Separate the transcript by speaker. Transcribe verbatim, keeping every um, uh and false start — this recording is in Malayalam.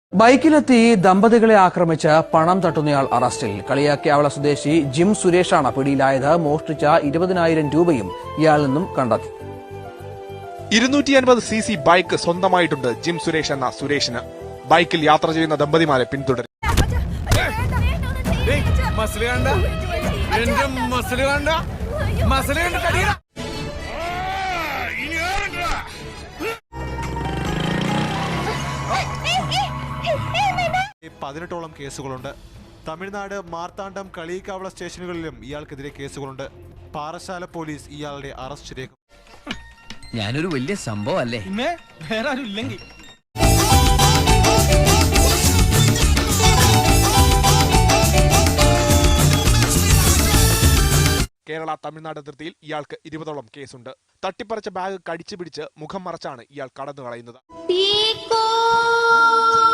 Speaker 1: ബൈക്കിലെത്തി ദമ്പതികളെ ആക്രമിച്ച് പണം തട്ടുന്നയാൾ അറസ്റ്റിൽ. കളിയാക്കിയാവള സ്വദേശി ജിം സുരേഷാണ് പിടിയിലായത്. മോഷ്ടിച്ച ഇരുപതിനായിരം രൂപയും ഇയാളിൽ നിന്നും കണ്ടെത്തി.
Speaker 2: ഇരുന്നൂറ്റി അൻപത് സി സി ബൈക്ക് സ്വന്തമായിട്ടുണ്ട് ജിം സുരേഷ് എന്ന സുരേഷിന്. ബൈക്കിൽ യാത്ര ചെയ്യുന്ന ദമ്പതിമാരെ പിന്തുടരും.
Speaker 3: പതിനെട്ടോളം കേസുകളുണ്ട്. തമിഴ്നാട് മാർത്താണ്ഡം കളിയിക്കാവള സ്റ്റേഷനുകളിലും ഇയാൾക്കെതിരെ കേസുകളുണ്ട്. പാറശാല പോലീസ് ഇയാളുടെ അറസ്റ്റ് രേഖ.
Speaker 4: ഞാനൊരു വലിയ സംഭവം അല്ലേ?
Speaker 5: വേറെ ആരും ഇല്ലെങ്കിൽ
Speaker 2: കേരള തമിഴ്നാട് അതിർത്തിയിൽ ഇയാൾക്ക് ഇരുപതോളം കേസുണ്ട്. തട്ടിപ്പറിച്ച ബാഗ് കടിച്ചു പിടിച്ച് മുഖം മറച്ചാണ് ഇയാൾ കടന്നു കളയുന്നത്.